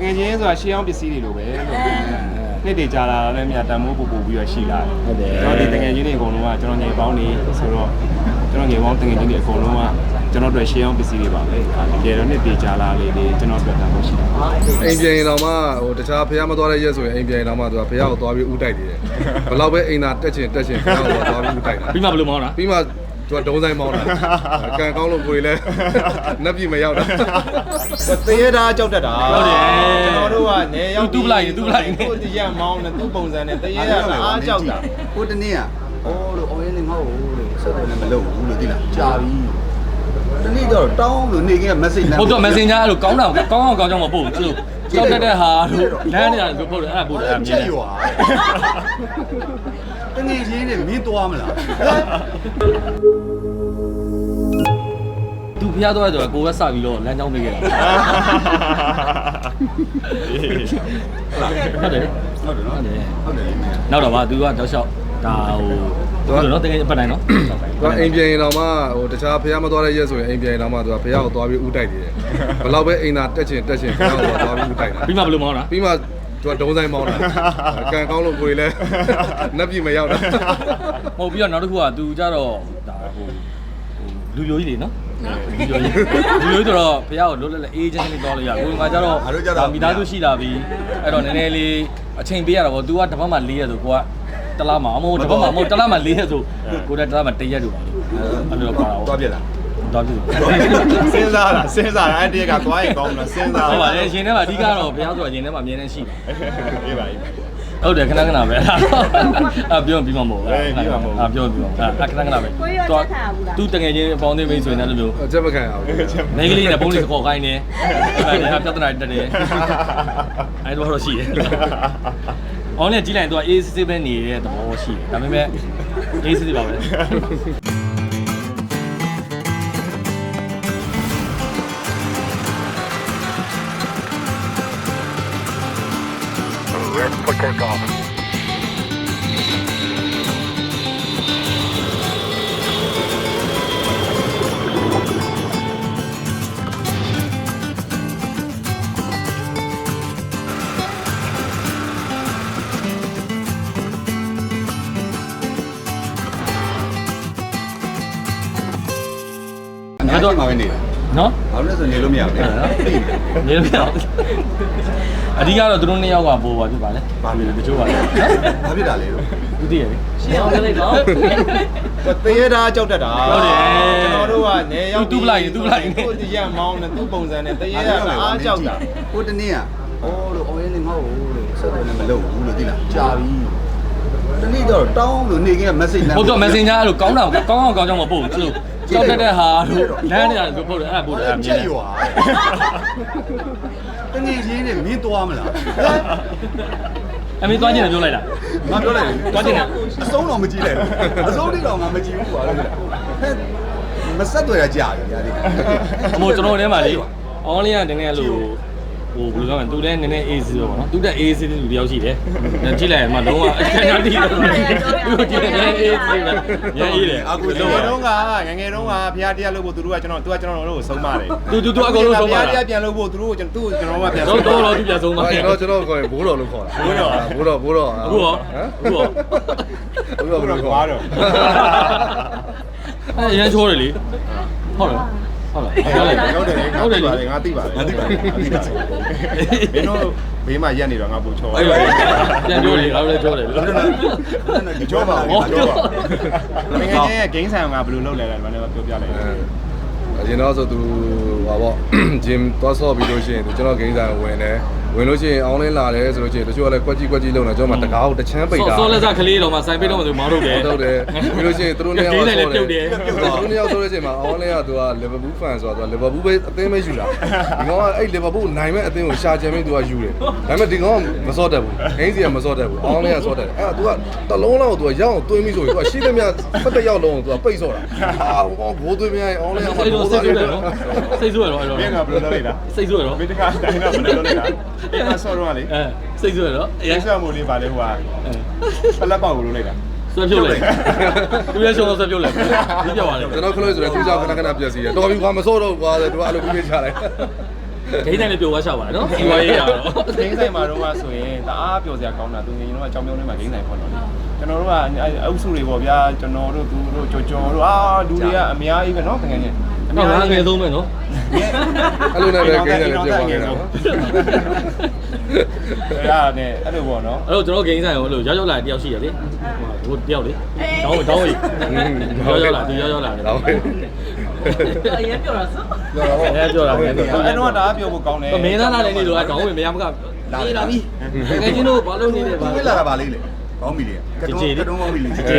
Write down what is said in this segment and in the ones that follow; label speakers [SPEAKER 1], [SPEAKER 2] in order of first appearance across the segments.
[SPEAKER 1] ငယ်ချင်းဆိုတာရှေးအောင်ပစ္စည်းတွေလိုပဲနှစ်တွေကြာလာလည်းမြတ်တန်မိုးပူပူပြီးတော့ရှိလာတယ်ကျွန်တော်ဒီတငယ်ချင်းတွေအကုန်လုံးကကျွန်တော်ငယ်ပေါင်းနေဆိုတော့ကျွန်တော်ငယ်ပေါင်းတငယ်ချင်းတွေအကုန်လုံးကကျွန်တော်တို့ရှေးအောင်ပစ္စည်းတွေပါပဲတကယ်တော့နှစ်တွေကြာလာလေကျွန်တော်တို့တန်မိုးရှိတယ်
[SPEAKER 2] အိမ်ပြန်ရင်တော့မှဟိုတခြားဖះမသွားတဲ့ရက်ဆိုရင်အိမ်ပြန်ရင်တော့မှသူကဖះကိုသွားပြီးဥတိုက်နေတယ်ဘယ်လောက်ပဲအိမ်သာတက်ချင်ဖះကိုသွားပြီးဥတိုက်တာ
[SPEAKER 3] ပြီးမှဘယ်လိုမောင်းတာ
[SPEAKER 2] ပြီးမှသူကဒုံးဆိုင်မောင်းတာကံကောင်းလို့ကိုယ်လည်းနှက်ပြမရောက်တာ
[SPEAKER 1] တရေသားကြောက်တတ်တာ
[SPEAKER 3] ဟုတ်တယ်
[SPEAKER 1] ကျွန်တော်တို့ကနေရောက်
[SPEAKER 3] တူးပလိုက်သူ့
[SPEAKER 1] တရက်မောင်းနဲ့သူ့ပုံစံနဲ့တရေသားအားကြောက်တာ
[SPEAKER 4] ဟိုတနေ့ကအော်လို့အော်ရင်းနေငါ့ကိုလို့ဆက်တယ်လည်းမလုပ်ဘူးလို့သိလားကြာပြီတနေ့တော့တောင်းလို့နေကင်း message
[SPEAKER 3] ဟုတ်တော့ messenger အဲ့လိုကောင်းတာကောင်းကြောင်မပို့ဘူးသူကြောက်တတ်တဲ့ဟာတို့လမ်းနေတာလို့ပို့တယ်အဲ့ဒါပို့တယ်အမြင်
[SPEAKER 4] ရွာတနေ့ချင်းနဲ့မင်းသွားမလား
[SPEAKER 3] သူဖျားသွားတယ်ဆိုတော့ကိုယ်ပဲစပြီးတော့လမ်းကြောင်းပေးခဲ့တာဟုတ်တယ်နောက်တော့ဗာသူကတောက်လျှောက်ဒါဟိုသူကတော့တကယ်ပတ်တိုင်းနော်
[SPEAKER 2] သူကအိမ်ပြန်ရင်တော့မှဟိုတခြားဖះမသွားတဲ့ရက်ဆိုရင်အိမ်ပြန်ရင်တော့မှသူကဖះကိုသွားပြီးဥတိုက်နေတယ်ဘယ်လောက်ပဲအိမ်သာတက်ချင်ဖះကိုသွားပြီးဥတိုက်တာ
[SPEAKER 3] ပြီးမှဘယ်လိုမောင်းတာ
[SPEAKER 2] ပြီးမှသူကဒုံးဆိုင်မောင်းတာကံကောင်းလို့ကိုယ်လည်းနှက်ပြမရောက်တာ
[SPEAKER 3] ဟုတ်ပြီးတော့နောက်တစ်ခုကသူကြတော့ဒါဟိုလူယိုကြီးတွေနော်လူယိုကြီးတော့ဖះကိုလွတ်လပ်အေးချမ်းလေးသွားလို့ရကိုယ်ကကြတော့ဒါမိသားစုရှိလာပြီအဲ့တော့နည်းနည်းလေးအချိန်ပေးရတာပေါ့သူကတစ်ပတ်မှ4ရက်ဆိုကိုကတလားမှာမဟုတ်တစ်ပတ်မှမဟုတ်တလားမှ4ရက်ဆိုကိုတလားမှ1ရက်လို့ပါလို့အဲ့လိုပါတော့
[SPEAKER 4] သွားပြက်လား
[SPEAKER 3] သွားပြီ
[SPEAKER 1] စဉ်းစားတာအဲ့တရက်ကသွားရင်ကောင်းလားစဉ်းစား
[SPEAKER 3] ဟုတ်ပါလေရှင်ထဲမှာအဓိကတော့ဘုရားဆိုတာရှင်ထဲမှာအမြဲတမ်းရှိတယ်
[SPEAKER 1] အေးပါ
[SPEAKER 3] ဟုတ်တယ်ခဏပဲပြောပြီးမှမဟုတ်ဘူးပြောခဏပဲသူတငယ်ချင်းအပေါင်းအသင်းမိတ်ဆွေနဲ့လိုမျိုး
[SPEAKER 2] ချက်မခံအောင်
[SPEAKER 3] မိန်းကလေးနဲ့ပုံးလေးခေါ်ခိုင်းနေအဲ့ဒါပြဿနာတက်တယ်အဲ့တော့ရှိတယ်အောင်းနဲ့ကြီးလိုက်ရင်သူကအေးစစ်စစ်ပဲနေတဲ့သဘောရှိတယ်ဒါပေမဲ့အေးစစ်စစ်ပါပဲ
[SPEAKER 5] For takeoff.
[SPEAKER 4] Nó đó mà bên này.
[SPEAKER 3] Nó?
[SPEAKER 4] Nó rất là nhiều lắm nhỉ.
[SPEAKER 3] Nhiều lắm. အဓိကတော့သူတို့နှစ်ယောက်ကပို့ပါဖြစ်ပါလေ။ဘာဖြစ်လဲတချို့ပါလေ။
[SPEAKER 4] ဘာဖြစ်တာလဲလို့
[SPEAKER 3] ။သူသိရပြီ။ရှင်းအောင်လိုက်တော့
[SPEAKER 1] တရေသားကြောက်တတ်တာ
[SPEAKER 3] ဟုတ်တယ်
[SPEAKER 1] ကျွန်တော်တို့ကနေရောက်
[SPEAKER 3] တူးပလိုက်သူ့
[SPEAKER 1] တရက်မောင်းနဲ့သူ့ပုံစံနဲ့တရေသားအားကြောက်တာ
[SPEAKER 4] ဟိုတနေ့ကအော်လို့အော်ရင်းနေငါ့ကိုလို့ဆက်တယ်လည်းမလုပ်ဘူးလို့သိလားကြာပြီတနေ့တော့တောင်းလို့နေကင်း message
[SPEAKER 3] ဟုတ်တော့ messenger အဲ့လိုကောင်းကြောင်မပို့ဘူးအဲ့လိုကြောက်တတ်တဲ့ဟာတို့လမ်းနေတာလို့ပို့တယ်အဲ့ဒါပို့တယ်အမြင်
[SPEAKER 4] ရွာတနေ့ချင်းနဲ့မင်းသွားမလား
[SPEAKER 3] အမေသွားကျင်တယ်ပြောလိုက်တာ
[SPEAKER 4] ငါပြောလိုက်
[SPEAKER 3] သွားကျင်တယ်
[SPEAKER 4] အဆုံးတော့မကြည့်လိုက်အဆုံးတိတော့ငါမကြည့်ဘူးပါလို့မဆက်တွေ့ရကြာပြီညာလေး
[SPEAKER 3] အမို့ကျွန်တော်ထဲမှာလေအောင်းလေးကနည်းနည်းလို့ဟိုဘယ်လိုပြောမလဲသူလည်းနည်းနည်း AC ပေါ့နော်သူတက် AC တဲ့လူတယောက်ရှိတယ်ကြည့်လိုက်မှလုံးဝအခန်းကြီးတယ်သူကြည့်တယ် AC ပဲညာအေးတယ်
[SPEAKER 1] အခုလုံးတုန်းကငငယ်တုန်းကဖျားတရားလို့ဖို့သူတို့ကကျွန်တော်တို့ကိုဆုံးမတယ်
[SPEAKER 3] သူအကုန်လုံးဆုံးမ
[SPEAKER 1] ဖျားတရားပြန်လို့ဖို့သူတို့ကိုကျွန်တော်ကပြန်
[SPEAKER 3] ဆုံးတော့သူပြန်ဆုံးမတယ်
[SPEAKER 2] ကျွန်တော်ခေါ်ရင်ဘိုးတော်လို့ခေါ်တာဘိုးတော်
[SPEAKER 3] အခုရော
[SPEAKER 2] ဘိုးတော်
[SPEAKER 1] ကွာတော့
[SPEAKER 3] အဲရမ်းချိုးတယ်လေဟုတ်လားဟုတ်
[SPEAKER 1] တယ်ငါသိပါတယ်မင်းတို့ဘေးမှာရက်နေတော့ငါပူချော
[SPEAKER 3] အဲ့ပြန်ပြောလေငါလည်းပြောတယ်
[SPEAKER 1] ကြောပါဘူးကြောပါငယ်ချင်းရဲ့ဂိမ်းဆိုင်ကဘယ်လိုလုပ်လဲလဲမပြောပြလိုက်
[SPEAKER 2] အရင်တော့ဆိုသူဟာပေါ့ဂျင်သွားဆော့ပြီးလို့ရှိရင်ကျွန်တော်ဂိမ်းဆိုင်ဝင်လို့ရှိရင်အောင်းလင်းလာတယ်ဆိုလို့ရှိရင်တချို့ကလည်းကွက်ကြီးလုံနေကျွန်တော်မှတကားကိုတချမ်းပိတ်တာ
[SPEAKER 3] ဆော့လက်စကလေးတော့မှစိုင်ပိတ်တော့မှသူမောင်းထုတ်တယ်
[SPEAKER 2] ပြီးလို့ရှိရင်သူတို့နှစ်ယောက်ဆော့တယ်သူတို့နှစ်ယောက်ဆော့တဲ့အချိန်မှာအောင်းလင်းကသူကလီဗာပူးဖန်ဆိုတော့လီဗာပူးပဲအသင်းပဲယူလာဒီကောင်ကအဲ့လီဗာပူးနိုင်မဲ့အသင်းကိုရှာချင်ပြီးသူကယူတယ်ဒါပေမဲ့ဒီကောင်ကမဆော့တတ်ဘူးဂိမ်းစီကမဆော့တတ်ဘူးအောင်းလင်းကဆော့တတ်တယ်အဲ့ဒါသူကတလုံးလောက်သူကရောက်အောင်တွင်းပြီးဆိုရင်သူကရှိသမျှဖက်ရောက်လုံးသူကပိတ်ဆော့တာဘောသွင်းပြရင်အောင်းလင်းက
[SPEAKER 3] စိတ်ဆိုးတယ်နော်စိတ်ဆိုးရတော့အဲ့တော့
[SPEAKER 1] မင်းကဘယ်လိုလုပ်လိုက်တာ
[SPEAKER 3] စိတ်ဆိုးရတော့
[SPEAKER 1] မင်းတခါတိုင်းတော့ဘယ်လိုလုပ်လိုက်တာအဲ့ဒါဆော့တော့လေ
[SPEAKER 3] စိတ်ဆိုးရတော့
[SPEAKER 1] အဲ့ဆော့မို့လေးပါလေဟိုကပလက်ပေါက်ကိုလုပ်လိုက်တာ
[SPEAKER 3] ဆွဲပြုတ်လိုက်သူလည်းရှုံးတော့ဆွဲပြုတ်လိုက်ပြီးပြောပါလေ
[SPEAKER 2] ကျွန်တော်ခလို့ဆိုတော့သူကြောင့်ခဏပြက်စီတယ်တော်ပြီကွာမစောတော့ကွာသူကအဲ့လိုပြီးချလိုက်
[SPEAKER 3] ဂိမ်းတိုင်းလည်းပြောသွားချပါနော်စီဝါရေးရတော့
[SPEAKER 1] ဂိမ်းဆိုင်မှာတော့ဆိုရင်တအားပျော်စရာကောင်းတာသူငယ်ချင်းတို့ကကြောင်ပြုံးထဲမှာဂိမ်းဆိုင်ဖွင့်တော့ကျွန်တော်တို့ကအုပ်စုတွေပေါ့ဗျာကျွန်တော်တို့သူတို့ကြော်တို့လူတွေကအများကြီးပဲနော်တကယ်ချင်း
[SPEAKER 3] တော့ငါငယ်ဆုံးပဲနော်
[SPEAKER 2] အဲ့လိုနဲ့ပဲဂိမ်းနဲ့ပြောပါခဲ့တာ
[SPEAKER 1] ရတယ်အဲ့လိုပေါ့နော်
[SPEAKER 3] အဲ့တော့ကျွန်တော်ဂိမ်းဆိုင်ကိုအဲ့လိုရောက်လာတယောက်ရှိရလေဟိုတယောက်လေတောင်းကြီးရောက်လာသူရောက်လာတယ်
[SPEAKER 2] တော့
[SPEAKER 5] အရင်ပြောတာဆို
[SPEAKER 3] ပြောတာပဲပြောတာ
[SPEAKER 1] အဲ့တော့တအားပြောဖို့ကောင်းတယ်
[SPEAKER 3] မင်းသားလာတဲ့နေ့တော့တောင်းဝင်မရမကပြေးလာပြီငယ်ချင်းတို့ဘာလို့နေလဲ
[SPEAKER 4] ဘာလဲလာတာပါလေးလေကောင်းပြီလေကတုံးကောင်းပြီလေ
[SPEAKER 3] လာဂိ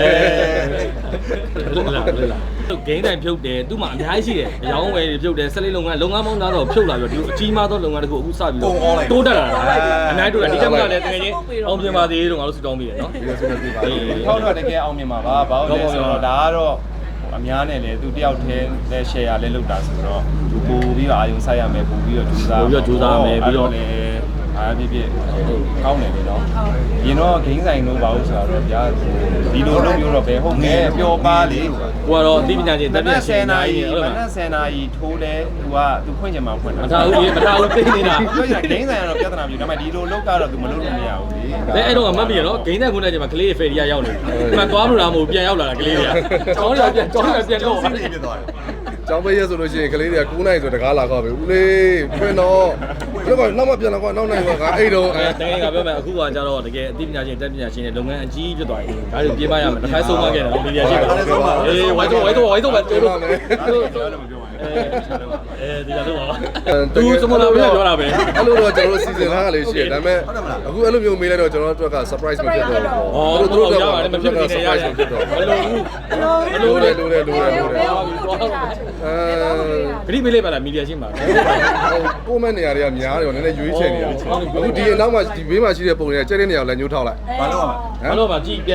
[SPEAKER 3] မ်းတိုင်းဖြုတ်တယ်သူ့မှာအများကြီးရှိတယ်အယောင်းဝယ်တွေဖြုတ်တယ်ဆက်လေးလုပ်ငန်းပေါင်းသားတော့ဖြုတ်လာပြီးတော့ဒီအကြီးမားသောလုပ်ငန်းတစ်ခုအခုစပြီးတော့တိုးတက်လာတာအများကြီးတိုးတက်ဒီကမှလည်းတကယ်ချင်းအောင်ပြင်ပါသေးလို့ငါတို့စုတောင်းပြီးတယ်နော်
[SPEAKER 1] ထောက်တော့တကယ်အောင်မြင်ပါပါဘာလို့လဲဆိုတော့ဒါကတော့အများနဲ့လေသူတယောက်တည်းနဲ့ share လဲလုပ်တာဆိုတော့သူပို့ပြီးတော့အာယုံဆိုင်ရမယ်ပို့ပြီးတော့ကြိုးစားမယ်ပြီးတော့လေအားပြည့်ကောင်းတယ်လေနော်ရင်တော့ဂိမ်းဆိုင်လို့ပါလို့ဆိုတော့ဗျာဒီလိုလုပ်မျိုးတော့ပဲဟုတ်ငယ်ပျော်ပါလေ
[SPEAKER 3] ကိုကတော့အသိပညာရှင်တက်ပြည့်ရှင်နာကြီးဟုတ်
[SPEAKER 1] မ
[SPEAKER 3] လား
[SPEAKER 1] နက်10နာရီထိုးလဲသူဖွင့်ချင်မှဖွင့်တာ
[SPEAKER 3] မထားဘူးလေမထားဘူးသိနေတာ
[SPEAKER 1] ပြောချင်ဂိမ်းဆိုင်ကတော့ပြဿနာမျိုးဒါပေမဲ့ဒီလိုလုပ်ကတော့သူမလုပ်လို့မရဘူးလေ
[SPEAKER 3] အဲ့တော့မှတ်ပြီနော်ဂိမ်းတဲ့ခုနကချိန်မှာကလေးဖေရီယာရောက်နေတယ်ဒီမှာသွားလို့လားမဟုတ်ပြန်ရောက်လာတာကလေးတွေကကျောင်းရပြန်လို့
[SPEAKER 4] ဖြစ်သွားတယ်
[SPEAKER 2] ကျောင်းပေးရဆိုလို့ရှိရင်ကလေးတွေက9နိုင်ဆိုတကားလာတော့ပဲဦးလေးဖွင့်တော့ဘယ်တော့နောက်မှပြန်လာကွာနောက်နိုင်ကွာငါအဲ့တော့
[SPEAKER 3] တကယ်ကပြောမယ်အခုကကြတော့တကယ်အသိပညာရှင်တက်ပညာရှင်တွေလုပ်ငန်းအကြီးဖြစ်သွားပြီဒါတွေပြေးမရမယ်တစ်ခါဆုံးမခဲ့တယ်မီဒီယာရှိပါအေးဝိုင်းတော့ပဲတိုးတော့
[SPEAKER 1] ပြောလို့မပြောပါဘူး
[SPEAKER 3] ဒီလာတော့ပါသူစမလာပဲပြောတာပဲ
[SPEAKER 2] အဲ့လိုတော့ကျွန်တော်တို့စီစဉ်ထားတာလေးရှိတယ်ဒါပေမဲ့အခုအဲ့လိုမျိုးမေးလိုက်တော့ကျွန်တော်တို့က surprise မဖြစ်တော့ဘူး
[SPEAKER 3] တို့ရပါတယ်မဖြစ်နေရရတယ်မလို့ဘူး
[SPEAKER 2] လိုတယ်လိုတယ်လိုတယ်လိုတယ်
[SPEAKER 3] ဂရိမေးလေးပါလားမီဒီယာရှိမှာ
[SPEAKER 2] ကိုမန့်နေရာတွေကများတယ်နည်းနည်းရွေးချယ်နေတာအခုဒီအနောက်မှာဒီဘေးမှာရှိတဲ့ပုံတွေကကျဲတဲ့နေရာကိုလည်းညှိုးထောက်လိုက်
[SPEAKER 4] ဘာလို့อ่ะ
[SPEAKER 3] ဘာလို့ပါကြည့်ပြန်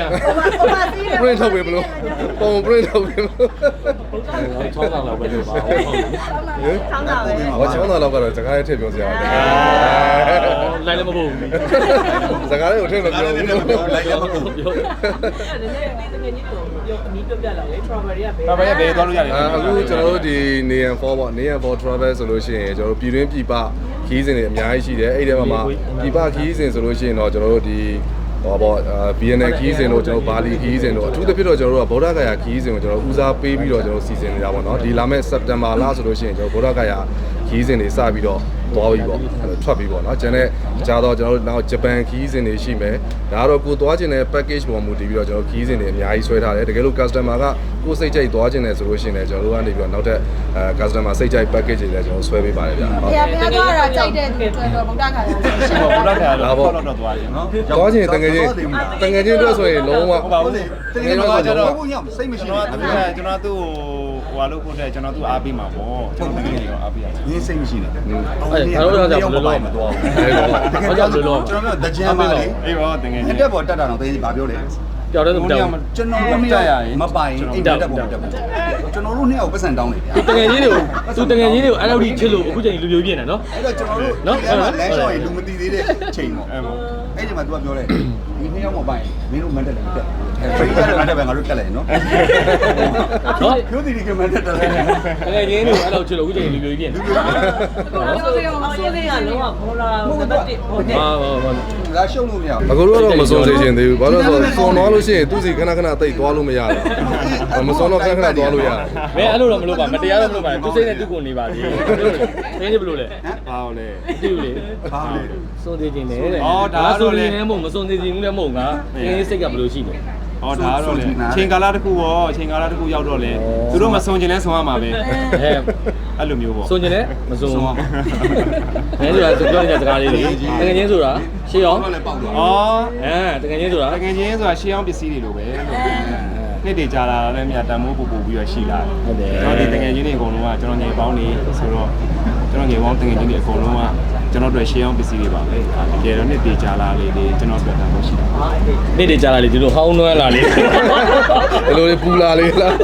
[SPEAKER 2] print ထုတ်ပေးမလို့ပုံ print ထုတ်ပေးမလို့
[SPEAKER 3] ချောင်းတာလောက်ပဲလို့ပါဟုတ်
[SPEAKER 5] ဆောင်းတာပဲ
[SPEAKER 2] ဟောချောင်းသားလောက်ကတော့စကားရဲ့ထည့်ပြောစရာတယ်
[SPEAKER 3] လိုက်လည်းမဟုတ်ဘူး
[SPEAKER 2] စကားလေးကိုထည့်မပြောဘူးလို့
[SPEAKER 4] လိုက်ရမလို့
[SPEAKER 3] ပြော
[SPEAKER 5] အဲ့ဒါလည်းတကယ်ကြီးတော့ပြောအမီးပြပြလာလေ strawberry ကပဲ
[SPEAKER 1] ဘာပဲပဲသွားလို့ရတယ်
[SPEAKER 2] အခုကျွန်တော်တို့ဒီ Neon 4ပေါ့ Neon 4 travel ဆိုလို့ရှိရင်ကျွန်တော်တို့ပြည်တွင်းပြည်ပခီးစဉ်တွေအများကြီးရှိတယ်အဲ့ဒီထဲမှာပြည်ပခီးစဉ်ဆိုလို့ရှိရင်တော့ကျွန်တော်တို့ဒီဟောပေါ့ BNN ခီးစဉ်တို့ကျွန်တော်ဘာလီခီးစဉ်တို့အထူးသဖြင့်တော့ကျွန်တော်တို့ကဗုဒ္ဓဂယာခီးစဉ်ကိုကျွန်တော်ဦးစားပေးပြီးတော့ကျွန်တော်စီစဉ်နေတာပေါ့နော်ဒီလာမယ့် September လဆိုလို့ရှိရင်ကျွန်တော်ဗုဒ္ဓဂယာခီးစဉ်တွေစပြီးတော့သွားပြီပေါ့ထွက်ပြီပေါ့နော်ကျန်တဲ့ကြားတော့ကျွန်တော်တို့နောက်ဂျပန်ခီးစဉ်တွေရှိမယ်ဒါကတော့ကိုသွားခြင်းတဲ့ package ပေါ်မူတည်ပြီးတော့ကျွန်တော်ခီးစဉ်တွေအများကြီးဆွဲထားတယ်တကယ်လို့ customer ကကိုစိတ်ကြိုက်သွားခြင်းတယ်ဆိုလို့ရှိရင်လည်းကျွန်တော်တို့ကနေပြီးတော့နောက်ထပ်customer စိတ်ကြိုက် package တွေလည်းကျွန်တော်ဆွဲပေးပါတယ်ဗျာဟုတ်
[SPEAKER 6] ။ဘုရားသွားတာကြိုက်တဲ့သူတွေတော့ဗုဒ္ဓခါရဆိုရှင်
[SPEAKER 1] ဘုရားခါတော့တော့သွားခြင်းနော်
[SPEAKER 2] သွားခြင်းတကယ်ချင်းအတွက်ဆိုရင်လုံးဝ
[SPEAKER 1] ဟုတ်ပါဘူး
[SPEAKER 4] တကယ်တော့ကျွန်တော်ဘုရားစိတ်မရှိ
[SPEAKER 1] ကျွန်
[SPEAKER 4] ဘူး
[SPEAKER 1] တော်သူ့ဟိုဟာလို့ဖို့တဲ့ကျွန်တော်သူ့အားပေးမှာပေါ့ကျွန်တော်တကယ်ရောအားပေးရအောင်
[SPEAKER 4] ရင်းစိတ်မရှိနဲ့
[SPEAKER 3] အဲ့ဒါတော့ကြောင့်ဘယ်လိုလုပ်မသွားဘူးဘာကြောင့်ဘယ်လိုလုပ်
[SPEAKER 4] ကျွန်တော်တို့တကြံပါလေ
[SPEAKER 1] အေးပါတကယ်
[SPEAKER 4] အတက်ပေါ်တက်တာတော့တကယ်ဘာပြောလဲ
[SPEAKER 3] ကြောက်တယ်မကြောက်
[SPEAKER 4] ကျွန်တော်တို့နှစ်ယောက်မပိုင်အိမ်တက်ပေါ်တက်ပေါ်ကျွန်တော်တို့နှစ်ယောက်ပတ်စံတောင်းနေဗျာ
[SPEAKER 3] သူတငယ်ချင်းတွေကိုအဲ့လောက်ထိချစ်လို့အခုချိန်လူပြိုပြင်းနေနော်
[SPEAKER 4] အဲ့တော့ကျွန်တော်တို့အဲ့မှာလမ်းလျှောက်ရင်လူမသိသေးတဲ့ချိန်ပေါ့အဲ့ဒီမှာ तू ကပြောတယ်ဒီနှစ်ယောက်မပိုင်မင်းတို့မန်တက်လည်းတက်ဖရီးရတယ်မန်တက်ပဲငါတို့တက်လိုက်နော်
[SPEAKER 3] နော်
[SPEAKER 4] ပြောသည်ဒီကမန်တက်တယ်
[SPEAKER 3] တကယ်ချင်းတွေအဲ့လောက်ချစ်လို့အခုချိန်လူပြိုပြင်းနေ
[SPEAKER 5] ဆိုရင်အောင်လေးကလုံးဝဘောလာနံပါတ်1ဟိုနဲ့
[SPEAKER 3] ဟာဟာ
[SPEAKER 4] လာရှုံလို့မရဘူး
[SPEAKER 2] အခုတော့မစုံသေးခြင်းသေးဘူးဘာလို့လဲဆိုတော့စုံသွားလို့ရှိရင်သူစီခဏခဏတိတ်သွားလို့မရဘူးမစုံတော့ခဏခဏသွားလို့ရတယ်
[SPEAKER 3] မင်းအဲ့လိုတော့မလုပ်ပါမတရားတော့မလုပ်ပါနဲ့သူစိတ်နဲ့သူ့ကိုနေပါသေးတယ်တင်းနေဘလို့လဲ
[SPEAKER 1] ဘာလို့လဲ
[SPEAKER 3] သူ့လေ
[SPEAKER 4] ဘာလဲ
[SPEAKER 3] စွန်သေးခြင်းနဲ့တဲ့ဆိုနေလည်းမဟုတ်မစွန်သေးခြင်းလည်းမဟုတ်ငါတင်းစိတ်ကဘယ်လိုရှိလဲ
[SPEAKER 1] ဟောဒါတော့လေချိန်ကာလတစ်ခုရောချိန်ကာလတစ်ခုရောက်တော့လေသူတို့မစုံကျင်လဲစုံရမှာပဲ
[SPEAKER 3] အဲ
[SPEAKER 1] အဲ့လိုမျိုးပေါ့
[SPEAKER 3] စွန်ခြင်းနဲ့မစွန်ဘူးမင်းဆိုတာသူပြောနေတဲ့စကားလေးလေတကယ်ချင်းဆိုတာရှေ့အောင်
[SPEAKER 1] ဩ
[SPEAKER 3] တကယ်ချင်းဆိုတာ
[SPEAKER 1] တကယ်ချင်းဆိုတာရှေးအောင်ပစ္စည်းတွေလိုပဲနှစ်တွေကြာလာတော့လည်းမြတ်တန်မိုးပူပြီးတော့ရှိလာတယ်ကျွန်တော်ဒီတကယ်ချင်းတွေအကုန်လုံးကကျွန်တော်ငယ်ပေါင်းနေဆိုတော့ကျွန်တော်ငယ်ပေါင်းတကယ်ချင်းတွေအကုန်လုံးကကျွန်တော်တို့ရှေးအောင်ပစ္စည်းတွေပါပဲတကယ်တော့နှစ်တွေကြာလာလေကျွန်တော်တို့တန်မိုးရှိတာ
[SPEAKER 3] နေ့တွေကြာလာလေဒီလိုဟောင်းနှွမ်းလာလေ
[SPEAKER 2] ဘယ်လိုလဲပူလာလေးလား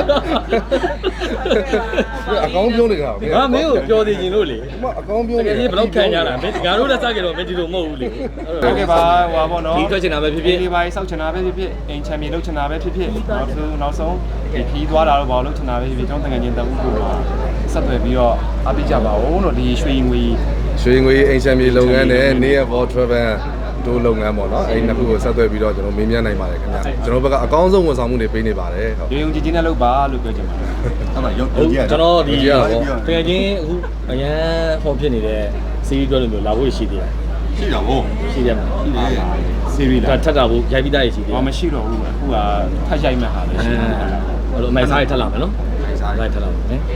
[SPEAKER 2] အကောင်းပြောနေတာ
[SPEAKER 3] ငါမင်းကိုပြောသေးခြင်းလို့လေ
[SPEAKER 2] အကောင်းပြော
[SPEAKER 3] တကယ်ကြီးဘယ်လောက်ခံရတာမင်းငါတို့လည်းစကြတော့မင်းဒီလိုမဟုတ်ဘူးလေ
[SPEAKER 1] ဟုတ်ကဲ့ပါဟိုပါပေါ့နော်
[SPEAKER 3] ဒီထွက်ချင်တာပဲဖြစ်ဖြစ်
[SPEAKER 1] ဒီပိုင်းစောက်ချင်တာပဲဖြစ်ဖြစ်အင်ချန်ပီယံလုပ်ချင်တာပဲဖြစ်ဖြစ်နောက်ဆုံးဒီခီးသွားတာတော့ဘာလို့လုပ်ချင်တာပဲဖြစ်ဖြစ်ကျွန်တော်တကယ်ချင်းတအုပ်ကိုဆက်သွယ်ပြီးတော့အားပေးကြပါဦးလို့ဒီရွှေငွေ
[SPEAKER 2] ရွှေငွေအိမ်ချမ်းမြေလုပ်ငန်းနဲ့နေရဘော travel တို့လုပ်ငန်းပေါ့နော်အဲ့ဒီနှစ်ခုကိုဆက်သွယ်ပြီးတော့ကျွန်တော်မေးမြန်းနိုင်ပါတယ်ခင်ဗျာကျွန်တော်ဘက်ကအကောင်းဆုံးဝန်ဆောင်မှုတွေပေးနေပါတယ်ဟုတ်
[SPEAKER 1] ရုံကြည်ကြီးနဲ့လုပ်ပါလို့ပြောချင်ပါတယ်
[SPEAKER 4] အဲ့မှာရုံ
[SPEAKER 3] ဟုတ်
[SPEAKER 4] ကြည့်ရ
[SPEAKER 3] ကျွန်တော်ဒီ
[SPEAKER 2] ကြည့်ရပါဘော
[SPEAKER 3] တကယ်ချင်းအခုအရန်ဟောဖြစ်နေတဲ့စီးရီးတွဲလိုမျိုးလာဖို့ရှိသေးတယ်
[SPEAKER 4] ရှိတာဗော
[SPEAKER 3] ရှိတယ်မှာ
[SPEAKER 4] ရှိတယ်
[SPEAKER 1] စီရီ
[SPEAKER 3] ဒါ
[SPEAKER 1] လား
[SPEAKER 3] ထပ်တာဖို့ရိုက်ပြီးသားရှိသေးတယ်
[SPEAKER 1] ဘာမရှိတော့ဘူးအခုကထပ်ရိုက်မှတ်ဟာပဲရှိတယ်
[SPEAKER 3] အဲ့လိုအမိုက်စားရထပ်လာမယ်နော်
[SPEAKER 4] ဆိုင်စား
[SPEAKER 3] လိုက်ထပ်လာမယ်